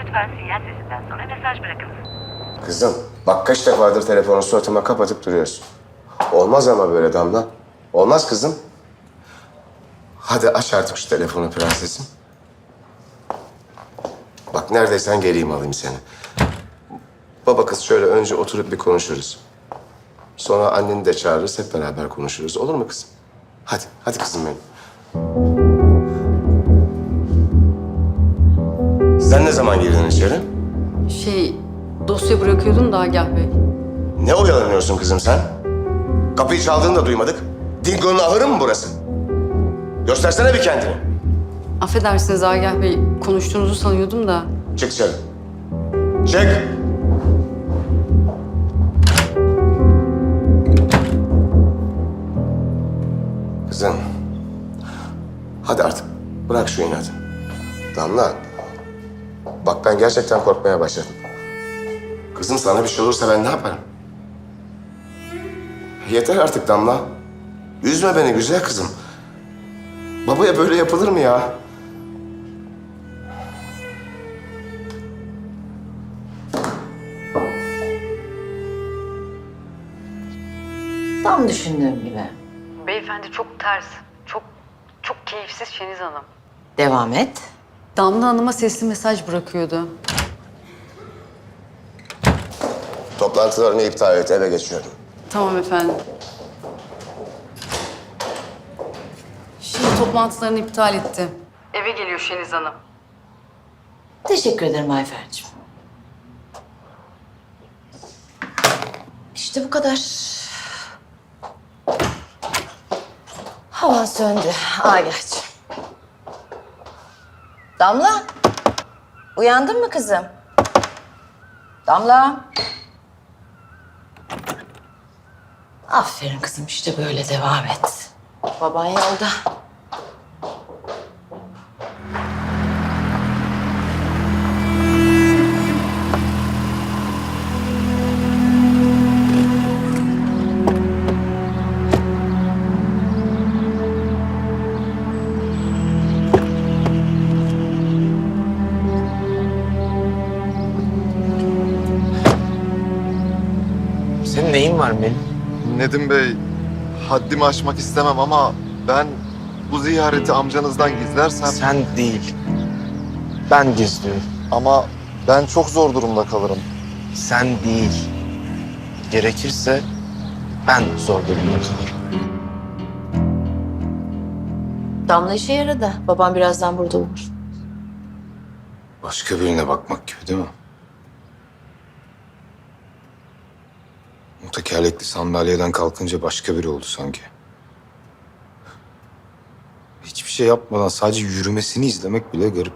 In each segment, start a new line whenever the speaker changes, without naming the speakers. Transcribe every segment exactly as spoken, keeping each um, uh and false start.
Lütfen sinyal sesinden sonra mesaj bırakınız.
Kızım, bak kaç defadır telefonu suratıma kapatıp duruyorsun. Olmaz ama böyle Damla. Olmaz kızım. Hadi aç artık şu telefonu prensesim. Bak neredeysen geleyim alayım seni. Baba kız şöyle önce oturup bir konuşuruz. Sonra anneni de çağırırız, hep beraber konuşuruz. Olur mu kızım? Hadi, hadi kızım benim. Sen ne zaman girdin içeri?
Şey, dosya bırakıyordum da Agah Bey.
Ne oyalanıyorsun kızım sen? Kapıyı çaldığını da duymadık. Dingo'nun ahırı mı burası? Göstersene bir kendini.
Affedersiniz Agah Bey, konuştuğunuzu sanıyordum da.
Çık dışarı. Çık. Kızım. Hadi artık bırak şu inadı. Damla. Bak ben gerçekten korkmaya başladım. Kızım sana bir şey olursa ben ne yaparım? Yeter artık Damla. Üzme beni güzel kızım. Babaya böyle yapılır mı ya?
Tam düşündüğüm gibi.
Beyefendi çok ters, çok çok keyifsiz Şeniz Hanım.
Devam et.
Damla Hanım'a sesli mesaj bırakıyordu.
Toplantılarını iptal et, eve geçiyorum.
Tamam efendim. Şimdi toplantılarını iptal etti. Eve geliyor Şeniz Hanım.
Teşekkür ederim Ayfer'cim. İşte bu kadar. Havan söndü Agah'cığım. Damla. Uyandın mı kızım? Damla. Aferin kızım, işte böyle devam et. Baban yolda.
Senin neyin var Melih?
Nedim Bey, haddimi aşmak istemem ama ben bu ziyareti amcanızdan gizlersem...
Sen değil. Ben gizliyorum.
Ama ben çok zor durumda kalırım.
Sen değil. Gerekirse ben zor durumda kalırım.
Damla işe yaradı. Babam birazdan burada olur.
Başka birine bakmak gibi değil mi? O tekerlekli sandalyeden kalkınca başka biri oldu sanki. Hiçbir şey yapmadan sadece yürümesini izlemek bile garip.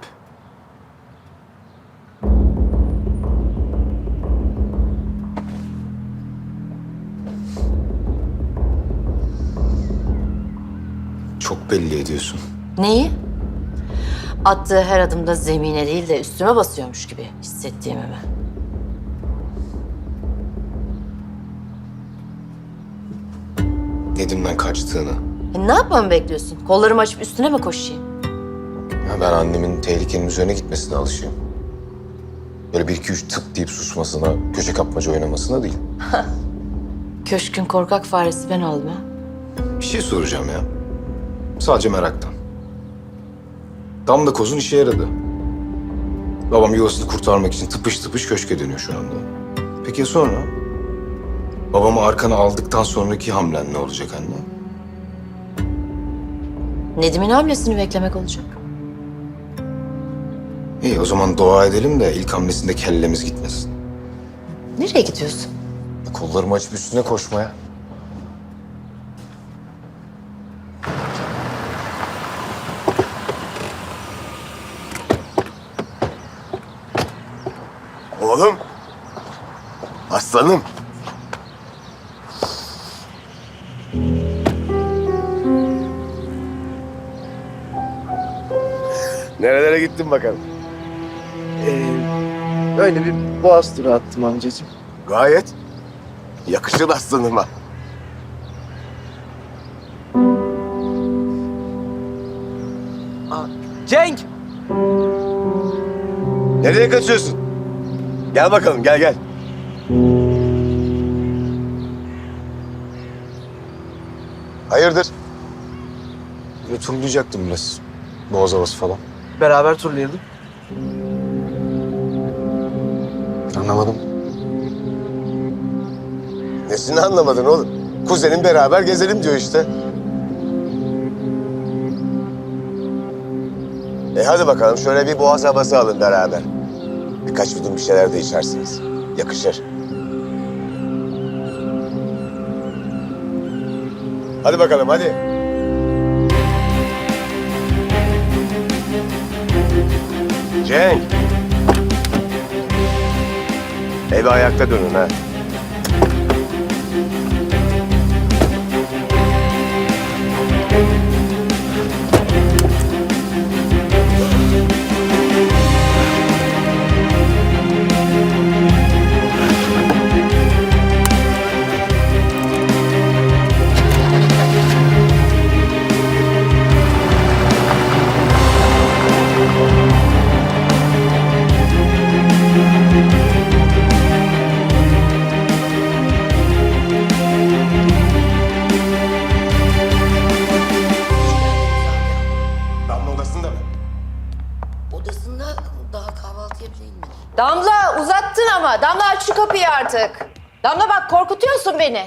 Çok belli ediyorsun.
Neyi? Attığı her adımda zemine değil de üstüme basıyormuş gibi hissettiğimi mi?
Nedim'den kaçtığını.
E, ne yapmamı bekliyorsun? Kollarımı açıp üstüne mi koşayım?
Ya ben annemin tehlikenin üzerine gitmesine alışığım. Böyle bir iki üç tık deyip susmasına, köşe kapmaca oynamasına değil.
Köşkün korkak faresi ben oldum ha.
Bir şey soracağım ya. Sadece meraktan. Damla kozun işe yaradı. Babam yuvasını kurtarmak için tıpış tıpış köşke dönüyor şu anda. Peki ya sonra? Babamı arkana aldıktan sonraki hamlen ne olacak anne?
Nedim'in hamlesini beklemek olacak.
İyi o zaman dua edelim de ilk hamlesinde kellemiz gitmesin.
Nereye gidiyorsun?
Kollarımı açıp üstüne koşmaya. Oğlum. Aslanım. Nerelere gittin bakalım?
Ee, böyle bir boğaz turu attım amcacığım.
Gayet. Yakışır aslanıma.
Cenk!
Nereye
Nereye kaçıyorsun? Gel bakalım, gel gel.
Hayırdır? Böyle turlayacaktım biraz. Boğaz havası falan.
Beraber turlayalım.
Anlamadım.
Nesini anlamadın oğlum? Kuzenin beraber gezelim diyor işte. E hadi bakalım şöyle bir boğaz havası alın beraber. Birkaç yudum bir şeyler de içersiniz. Yakışır. Hadi bakalım hadi. Cenk. Eve ayakta dönün ha. Damla odasında mı?
Odasında daha kahvaltıya bile inmedi. Damla uzattın ama. Damla aç şu kapıyı artık. Damla bak korkutuyorsun beni.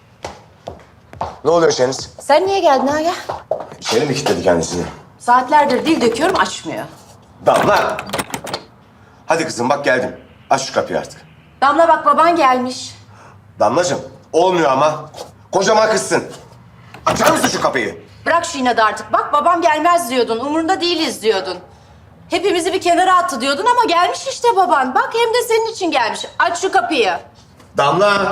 Ne oluyor Şeniz?
Sen niye geldin Aga?
İçeri mi kilitledi kendisini?
Saatlerdir dil döküyorum açmıyor.
Damla! Hadi kızım bak geldim. Aç şu kapıyı artık.
Damla bak baban gelmiş.
Damlacığım olmuyor ama. Kocaman kızsın. Açar mısın şu kapıyı?
Bırak şu inadı artık. Bak babam gelmez diyordun. Umurunda değiliz diyordun. Hepimizi bir kenara attı diyordun ama gelmiş işte baban. Bak hem de senin için gelmiş. Aç şu kapıyı.
Damla!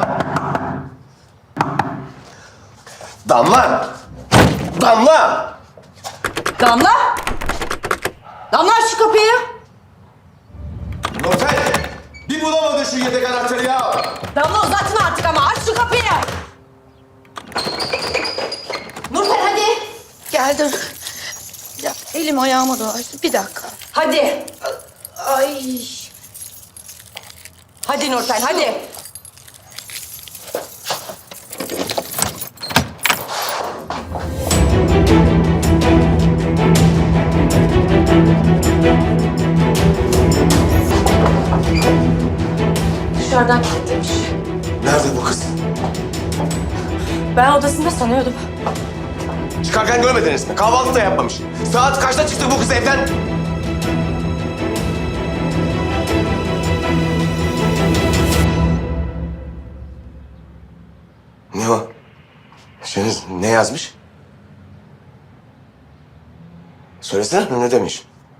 Damla! Damla!
Damla! Damla aç şu kapıyı.
Nurten! Bir bulamadın şu yedek anahtarı ya!
Damla uzattın artık ama aç şu kapıyı. Nurten hadi.
Geldim. Bir dakika, elim ayağıma dolaştı. Bir dakika.
Hadi.
Ay.
Hadi Nurten hadi. Dışarıdan kilitlemiş.
Nerede bu kız?
Ben odasında sanıyordum.
Çıkarken görmediniz mi? Kahvaltı da yapmamış. Saat kaçta çıktı bu kız evden? Ne o? Şeniz ne yazmış? Söylesene ne demiş?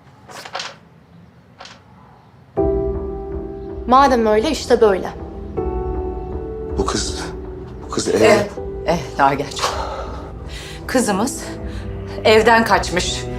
Madem öyle işte böyle.
Bu kız, bu kız ev...
Eh, eh daha geç. Kızımız evden kaçmış.